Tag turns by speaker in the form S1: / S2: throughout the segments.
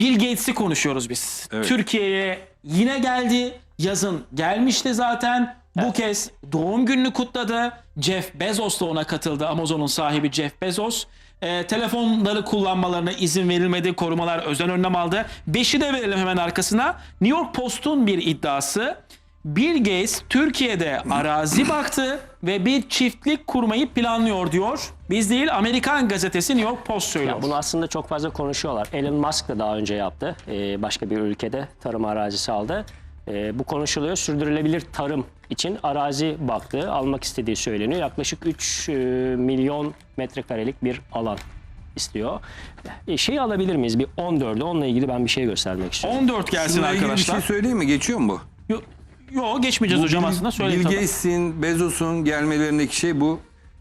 S1: Bill Gates'i konuşuyoruz biz.
S2: Evet.
S1: Türkiye'ye yine geldi. Yazın gelmişti zaten. Bu kez doğum gününü kutladı. Jeff Bezos da ona katıldı. Amazon'un sahibi Jeff Bezos. Telefonları kullanmalarına izin verilmedi. Korumalar özel önlem aldı. 5'i de verelim hemen arkasına. New York Post'un bir iddiası. Bill Gates Türkiye'de arazi baktı ve bir çiftlik kurmayı planlıyor diyor. Biz değil, Amerikan gazetesi New York Post söylüyor.
S3: Ya bunu aslında çok fazla konuşuyorlar. Elon Musk da daha önce yaptı. Başka bir ülkede tarım arazisi aldı. Bu konuşuluyor. Sürdürülebilir tarım için arazi baktı. Almak istediği söyleniyor. Yaklaşık 3 milyon metrekarelik bir alan istiyor. Şeyi alabilir miyiz? Bir 14'ü. Onunla ilgili ben bir şey göstermek istiyorum.
S1: 14 gelsin
S2: Bununla ilgili bir
S1: arkadaşlar.
S2: şey söyleyeyim mi? Geçiyor mu bu?
S1: Yok geçmeyeceğiz hocam aslında. Söyleyin
S2: Bill
S1: tabii.
S2: Gates'in, Bezos'un gelmelerindeki şey bu.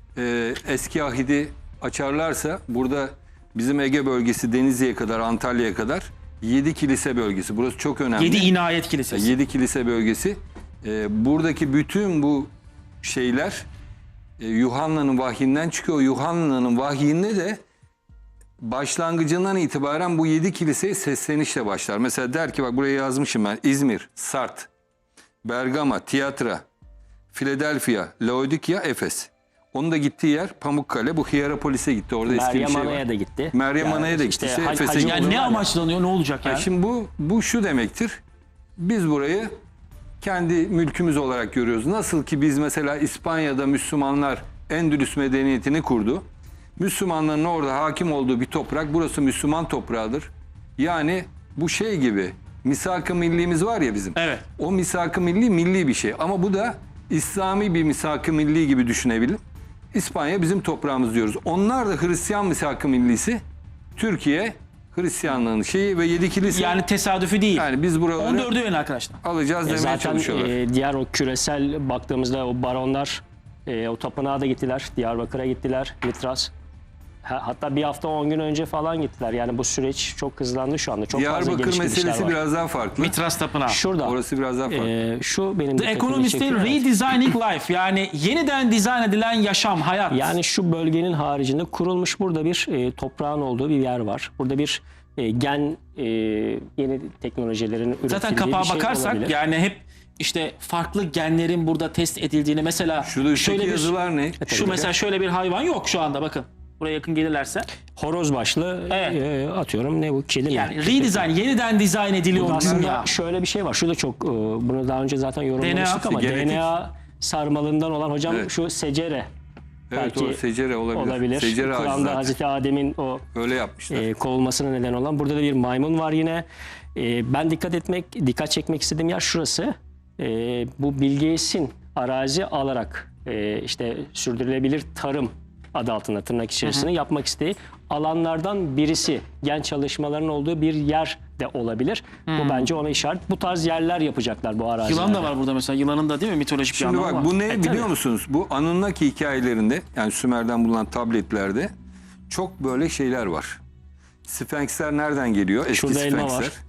S2: Eski ahidi açarlarsa burada bizim Ege bölgesi Denizli'ye kadar, Antalya'ya kadar 7 kilise bölgesi. Burası çok önemli.
S1: 7 inayet kilisesi.
S2: 7 kilise bölgesi. Buradaki bütün bu şeyler Yuhanna'nın vahyinden çıkıyor. Yuhanna'nın vahyinde de başlangıcından itibaren bu 7 kiliseye seslenişle başlar. Mesela der ki bak buraya yazmışım ben. İzmir, Sart, Bergama, Tiyatra, Philadelphia, Laodikya, Efes. Onun da gittiği yer Pamukkale. Bu Hierapolis'e gitti. Orada eski bir
S3: Meryem
S2: şey
S3: Ana'ya
S2: var.
S3: da gitti.
S2: Meryem Ana'ya da gitti. Efes'e
S3: hacı
S2: gitti.
S1: Yani
S3: olur
S1: ne
S3: var ya.
S1: amaçlanıyor, ne olacak yani?
S2: Şimdi bu şu demektir. Biz burayı kendi mülkümüz olarak görüyoruz. Nasıl ki biz mesela İspanya'da Müslümanlar Endülüs medeniyetini kurdu. Müslümanların orada hakim olduğu bir toprak, burası Müslüman toprağıdır. Yani bu şey gibi, misak-ı millimiz var ya bizim.
S1: Evet.
S2: O misak-ı milli bir şey. Ama bu da İslami bir misak-ı milli gibi düşünebilir. İspanya bizim toprağımız diyoruz. Onlar da Hristiyan misak-ı millisi. Türkiye Hristiyanlığın şeyi ve 7 kilise.
S1: Yani tesadüfi değil.
S2: Yani biz buraları
S1: 14'ü verin arkadaşlar.
S2: alacağız demeye
S3: Zaten
S2: çalışıyorlar.
S3: diğer o küresel baktığımızda o baronlar o tapınağa da gittiler. Diyarbakır'a gittiler. Mitras. Hatta bir hafta 10 gün önce falan gittiler. Yani bu süreç çok hızlandı şu anda. Çok fazla
S2: Diyarbakır
S3: geliş gidişler
S2: meselesi
S3: var.
S2: biraz daha farklı.
S1: Mitras Tapınağı.
S3: Şurada.
S2: Orası biraz daha farklı.
S3: Şu benim
S1: The
S3: dikkatimi
S1: Economist'in
S3: çekiyor.
S1: Redesigning Life, yani yeniden dizayn edilen yaşam, hayat.
S3: Yani şu bölgenin haricinde kurulmuş burada bir toprağın olduğu bir yer var. Burada bir gen yeni teknolojilerin üretildiği
S1: Zaten
S3: bir
S1: kapağa
S3: şey
S1: bakarsak
S3: olabilir.
S1: yani hep işte farklı genlerin burada test edildiğini, mesela
S2: Şurada üstteki
S1: şöyle bir
S2: yazılar ne?
S1: şu mesela şöyle bir hayvan yok şu anda, bakın. Buraya yakın gelirlerse.
S3: Horoz başlı
S1: Evet.
S3: Atıyorum ne bu? Kedi mi?
S1: Yani redesign, yeniden dizayn ediliyor
S3: Burada
S1: bizim
S3: aslında
S1: ya.
S3: şöyle bir şey var. Şurada çok bunu daha önce zaten yorumlamıştık
S1: DNA,
S3: ama
S2: genetik.
S3: DNA sarmalından olan hocam
S2: Evet.
S3: şu secere.
S2: Evet
S3: belki
S2: o secere olabilir.
S3: olabilir.
S2: Secere ağacı
S3: Kur'an'da
S2: zaten.
S3: Hazreti Adem'in o
S2: Öyle yapmışlar.
S3: kovulmasına neden olan. Burada da bir maymun var yine. Ben dikkat çekmek istediğim yer şurası. Bu Bill Gates'in arazi alarak işte sürdürülebilir tarım adı altında tırnak içerisinde yapmak istediği alanlardan birisi. Gen çalışmalarının olduğu bir yer de olabilir. Bu bence ona işaret. Bu tarz yerler yapacaklar bu arazilerde.
S1: Yılan da var burada mesela. Yılanın da değil mi mitolojik bir
S2: Şimdi
S1: anlamı
S2: bak
S1: var.
S2: bu ne biliyor
S3: tabii.
S2: musunuz? Bu Anunnaki hikayelerinde yani Sümer'den bulunan tabletlerde çok böyle şeyler var. Sphinxler nereden geliyor? Eski
S3: Şurada elma
S2: Sphinxler.
S3: var.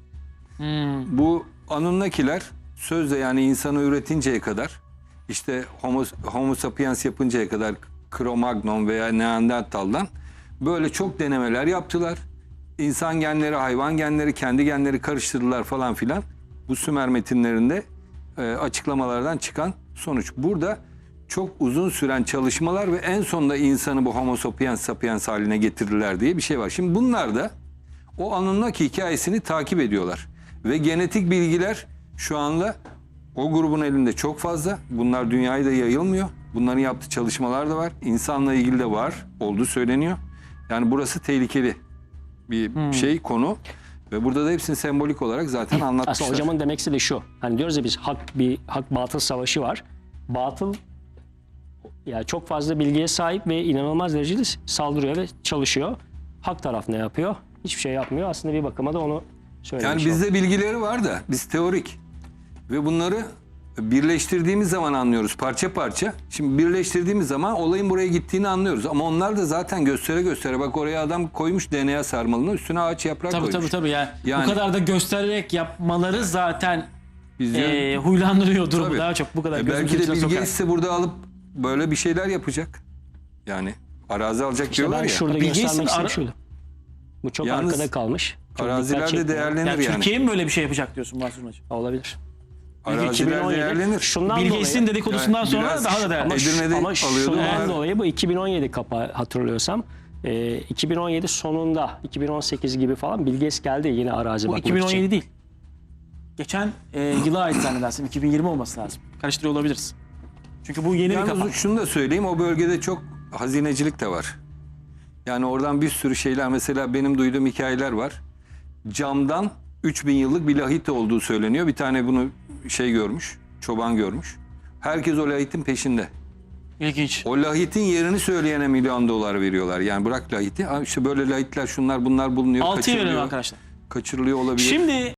S2: Bu Anunnakiler sözde yani insanı üretinceye kadar işte Homo sapiens yapıncaya kadar Cro-Magnon veya Neandertal'dan böyle çok denemeler yaptılar. İnsan genleri, hayvan genleri, kendi genleri karıştırdılar falan filan. Bu Sümer metinlerinde açıklamalardan çıkan sonuç. Burada çok uzun süren çalışmalar ve en sonunda insanı bu Homo sapiens haline getirdiler diye bir şey var. Şimdi bunlar da o Anunnaki hikayesini takip ediyorlar. Ve genetik bilgiler şu anda o grubun elinde çok fazla. Bunlar dünyaya da yayılmıyor. Bunların yaptığı çalışmalar da var. İnsanla ilgili de var. Olduğu söyleniyor. Yani burası tehlikeli bir şey, konu. Ve burada da hepsini sembolik olarak zaten anlatmışlar.
S3: Aslında hocamın demek istediği şu. Hani diyoruz ya biz hak batıl savaşı var. Batıl yani çok fazla bilgiye sahip ve inanılmaz derecede saldırıyor ve çalışıyor. Hak taraf ne yapıyor? Hiçbir şey yapmıyor. Aslında bir bakıma da onu söylemiş
S2: Yani
S3: olduk.
S2: bizde bilgileri var da biz teorik. Ve bunları birleştirdiğimiz zaman anlıyoruz parça parça. Şimdi birleştirdiğimiz zaman olayın buraya gittiğini anlıyoruz. Ama onlar da zaten göstere bak oraya adam koymuş DNA sarmalını, üstüne ağaç yaprak koymuş.
S1: Tabii yani. Bu kadar da göstererek yapmaları zaten
S2: Biz
S1: huylandırıyor durumu
S2: Tabii.
S1: daha çok. Bu kadar
S2: belki de
S1: içine
S2: Bill
S1: sokar.
S2: Gates de burada alıp böyle bir şeyler yapacak. Yani arazi alacak
S3: İşte
S2: diyorlar
S3: ben
S2: ya.
S3: şurada
S1: Bill
S3: göstermek
S1: Gates'in
S3: istediğim şuydu. Bu çok
S2: Yalnız-
S3: arkada kalmış. Çok
S2: Arazilerde
S3: dikkat çekmiyor.
S2: değerlenir
S1: Yani
S2: yani.
S1: Türkiye mi böyle bir şey yapacak diyorsun Mahsun Hacı?
S3: Olabilir.
S2: Araziler
S3: 2017
S2: değerlenir.
S3: Şundan
S1: Bill
S3: dolayı,
S1: Gates'in dedikodusundan
S2: Yani
S1: sonra
S2: biraz
S1: daha da değerli.
S3: ama,
S2: Edirne'de
S3: ama
S2: alıyordu.
S3: şundan
S2: Onlar-
S3: dolayı bu 2017 kapağı hatırlıyorsam 2017 sonunda 2018 gibi falan Bill Gates geldi yine arazi
S1: Bu
S3: bakmak
S1: 2017
S3: için.
S1: değil. Geçen yıla ait zannedersin. 2020 olması lazım. Karıştırıyor olabiliriz. Çünkü bu yeni bir kapak.
S2: Yalnız şunu da söyleyeyim, o bölgede çok hazinecilik de var. Yani oradan bir sürü şeyler, mesela benim duyduğum hikayeler var. Camdan 3000 yıllık bir lahit olduğu söyleniyor. Bir tane bunu görmüş, çoban görmüş. Herkes o lahitin peşinde.
S1: İlginç.
S2: O lahitin yerini söyleyene $1 milyon veriyorlar. Yani bırak lahiti, işte böyle lahitler, şunlar bunlar bulunuyor,
S1: 6'ya verelim
S2: kaçırılıyor,
S1: arkadaşlar.
S2: kaçırılıyor olabilir.
S1: Şimdi